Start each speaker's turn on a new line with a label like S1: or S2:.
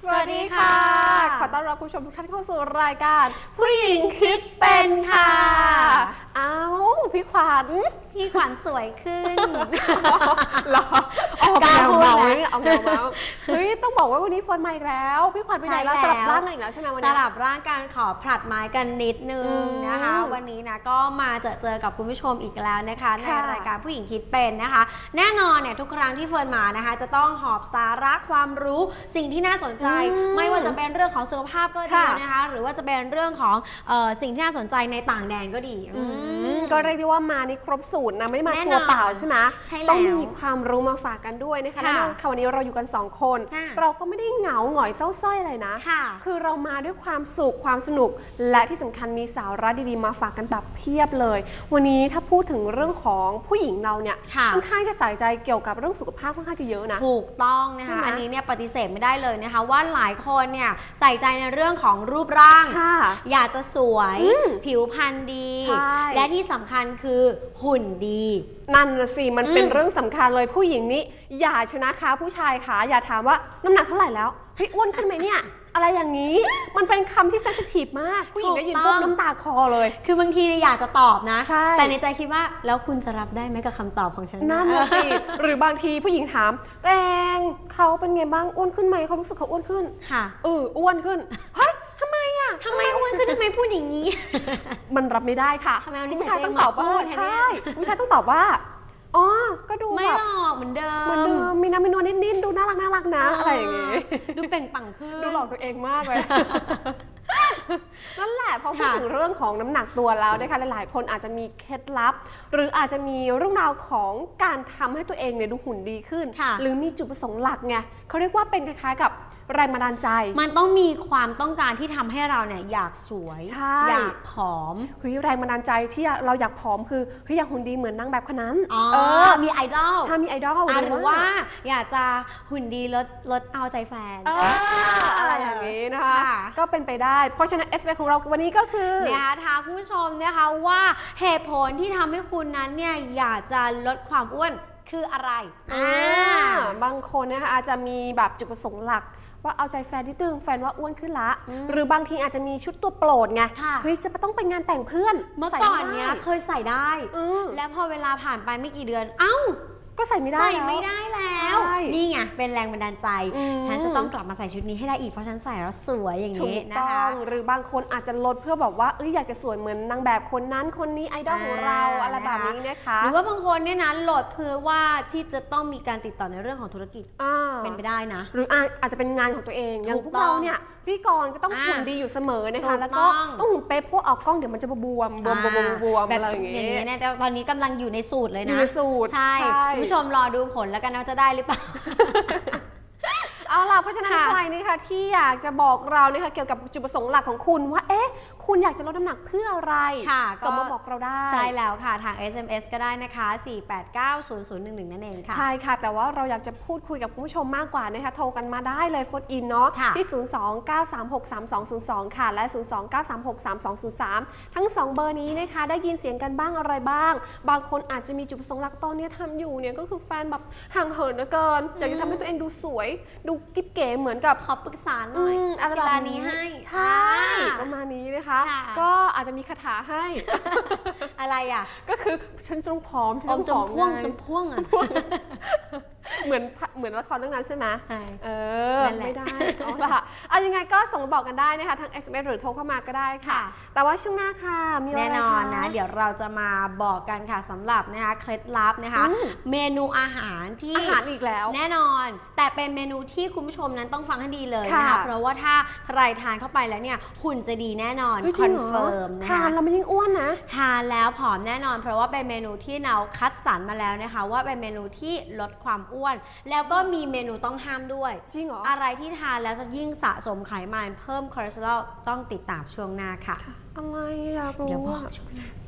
S1: สวัสดีค่ะขอต้อนรับคุณผู้ชมทุกท่านเข้าสู่รายการผู้หญิงคิดเป็นค่ะอ้าวพี่ขวัญ
S2: สวยขึ้น
S1: หรอเอาแนวเมาเนี่ยเอาแนวเมาเฮ้ยต้องบอกว่าวันนี้ฝนมาอีกแล้วพี่ขวัญไปไหนแล้วสลับร่างกันอีกแล้วใช่ไหมวันนี้
S2: สลับร่างการขอผลัดไม้กันนิดนึงนะคะวันนี้นะก็มาเจอกับคุณผู้ชมอีกแล้วนะคะในรายการผู้หญิงคิดเป็นนะคะแน่นอนเนี่ยทุกครั้งที่เฟิร์นมานะคะจะต้องหอบสาระความรู้สิ่งที่น่าสนใจไม่ว่าจะเป็นเรื่องของสุขภาพก็ดีนะคะหรือว่าจะเป็นเรื่องของสิ่งที่น่าสนใจในต่างแดนก็ดี
S1: ก็เรียกได้ว่ามาในครบสูตรนะไม่ได้มาตัวเปล่าใช่ไหมต้องมีความรู้มาฝากกันด้วยนะคะแล้ววันนี้เราอยู่กัน2คนเราก็ไม่ได้เหงาหงอยเศร้าส้อยอะไรนะคือเรามาด้วยความสุขความสนุกและที่สำคัญมีสาระดีๆมาฝากกันแบบเพียบเลยวันนี้ถ้าพูดถึงเรื่องของผู้หญิงเราเนี่ยค่อนข้างจะใส่ใจเกี่ยวกับเรื่องสุขภาพค่อนข้างจะเยอะนะ
S2: ถูกต้องนะคะอันนี้เนี่ยปฏิเสธไม่ได้เลยนะคะว่าหลายคนเนี่ยใส่ใจในเรื่องของรูปร่างอยากจะสวยผิวพรรณดีและที่สำคัญคือหุ่นดี
S1: นั่นน่ะสิมันเป็นเรื่องสำคัญเลยผู้หญิงนี้อย่าชนะคะผู้ชายค่ะอย่าถามว่าน้ำหนักเท่าไหร่แล้วเฮ้ยอ้วนขึ้นไหมเนี่ยอะไรอย่างนี้มันเป็นคำที่เซนซิทีฟมากผู้หญิงได้ยินปุ๊บน้ำตาคอเลย
S2: คือบางทีอยากจะตอบนะแต่ในใจคิดว่าแล้วคุณจะรับได้ไหมกับคำตอบของฉัน
S1: นั่นน่ะสิหรือบางทีผู้หญิงถามแตงเขาเป็นไงบ้างอ้วนขึ้นไหมเขารู้สึกเขาอ้วนขึ้น
S2: ค่ะ
S1: อ้วนขึ้นเฮ้ยทำไม
S2: อ้วนขึ้นทำไมพูดอย่างนี้
S1: มันรับไม่ได้ค่ะผู้ชายต้องตอบว่าใช่ผู้ชายต้องตอบว่าอ๋อก็ดู
S2: ไม่หรอกเหมือนเดิ
S1: มมีน้ำมีนวลนิดๆดูน่ารักนะอะไรอย่างงี้
S2: ดูเปล่งปลั่งขึ้น
S1: ดูหลอกตัวเองมากเลยนั่นแหละพอพูดถึงเรื่องของน้ำหนักตัวแล้วนะคะหลายๆคนอาจจะมีเคล็ดลับหรืออาจจะมีเรื่องราวของการทำให้ตัวเองเนี่ยดูหุ่นดีขึ้นหรือมีจุดประสงค์หลักไงเขาเรียกว่าเป็นคล้ายๆกับแรงบันดาลใจ
S2: มันต้องมีความต้องการที่ทำให้เราเนี่ยอยากสวยอยากผอม
S1: แรงบันดาลใจที่เราอยากผอมคืออยากหุ่นดีเหมือนนางแบบคนนั้น
S2: มีไอดอล
S1: ใช่มีไอดอล
S2: หรือว่าอยากจะหุ่นดีลดเอาใจแฟน
S1: อะไรอย่างนี้นะคะก็เป็นไปได้เพราะฉะนั้น SB ของเราวันนี้ก็คือ
S2: เนี่ยถามคุณผู้ชมนะคะว่าเหตุผลที่ทำให้คุณนั้นเนี่ยอยากจะลดความอ้วนคืออะไร
S1: บางคนนะคะอาจจะมีแบบจุดประสงค์หลักว่าเอาใจแฟนนิดนึงแฟนว่าอ้วนขึ้นละหรือบางทีอาจจะมีชุดตัวโปรดไงจะต้องไปงานแต่งเพื่อน
S2: เมื่อก่อนเนี้ยเคยใส่ได้แล้วพอเวลาผ่านไปไม่กี่เดือน
S1: ก็ใส่ไม่ได้
S2: แล้วนี่ไงเป็นแรงบันดาลใจฉันจะต้องกลับมาใส่ชุดนี้ให้ได้อีกเพราะฉันใส่แล้วสวยอย่างนี้นะคะ
S1: หรือบางคนอาจจะลดเพื่อแบบว่าอยากจะสวยเหมือนนางแบบคนนั้นคนนี้ไอดอลของเราอะไรแบบนี้นะคะ
S2: หรือว่าบางคนเนี่ยนะลดเพื่อว่าที่จะต้องมีการติดต่อในเรื่องของธุรกิจเป็นไปได้นะ
S1: หรืออาจจะเป็นงานของตัวเองอย่างพวกเราเนี่ยพี่กรก็ต้องหุ่นดีอยู่เสมอนะคะแล้วก็ต้องหุ่นเป๊ะพวกออกกล้องเดี๋ยวมันจะบวมอะไรอย่าง
S2: นี้นะแต่ตอนนี้กำลังอยู่ในสูตรเลยนะ
S1: อยู่ในสูตร
S2: ใช่คุณผู้ชมรอดูผลแล้วกันว่าจะได้หรือเปล่า
S1: เอาล่ะเพราะฉะนั้นใครนี่ค่ะที่อยากจะบอกเราเนี่ยค่ะเกี่ยวกับจุดประสงค์หลักของคุณว่าคุณอยากจะลดน้ำหนักเพื่ออะไรส่งมาบอกเราได้
S2: ใช่แล้วค่ะทาง SMS ก็ได้นะคะ4890011นั่นเองค่ะ
S1: ใช่ค่ะแต่ว่าเราอยากจะพูดคุยกับคุณผู้ชมมากกว่านะคะโทรกันมาได้เลยโฟนอินเนาะที่029363202ค่ะและ029363203ทั้ง2เบอร์นี้นะคะได้ยินเสียงกันบ้างอะไรบ้างบางคนอาจจะมีจุดประสงค์หลักตอนนี้ทำอยู่เนี่ยก็คือแฟนแบบห่างเหินเหลือเกินอยากจะทำให้ตัวเองดูสวยดูกิ๊บเก๋เหมือนกับ
S2: ขอปรึกษาหน่อยศิลานี้ให้
S1: ใช่ประมาณนี้นะคะก็อาจจะมีคาถาให้
S2: อะไร
S1: ก็คือฉันจงพร้อมฉัน
S2: จงพ่วง
S1: เหมือนละครเรื่องนั้นใช่ไหมไม่ได้เอาล่ะเอายังไงก็ส่งมาบอกกันได้นะคะทาง SMS หรือโทรเข้ามาก็ได้ค่ะแต่ว่าช่วงหน้าค่ะมีอะไร
S2: แน่นอนนะเดี๋ยวเราจะมาบอกกันค่ะสำหรับนะคะเคล็ดลับนะคะเมนูอาหารที่
S1: อาหารอีกแล้ว
S2: แน่นอนแต่เป็นเมนูที่คุณผู้ชมนั้นต้องฟังให้ดีเลยนะคะเพราะว่าถ้าใครทานเข้าไปแล้วเนี่ยหุ่นจะดีแน่นอนคอนเฟิร์มนะคะ
S1: ทานแล้วมันยิ่งอ้วนนะ
S2: ทานแล้วผอมแน่นอนเพราะว่าเป็นเมนูที่เราคัดสรรมาแล้วนะคะว่าเป็นเมนูที่ลดความอ้วนแล้วก็มีเมนูต้องห้ามด้วย
S1: จริงเหรอ
S2: อะไรที่ทานแล้วจะยิ่งสะสมไขมันเพิ่มคอเลสเตอรอลต้องติดตามช่วงหน้าค่ะ
S1: อะไรอยากรู้
S2: เดี๋ยวบอกช่วงหน้า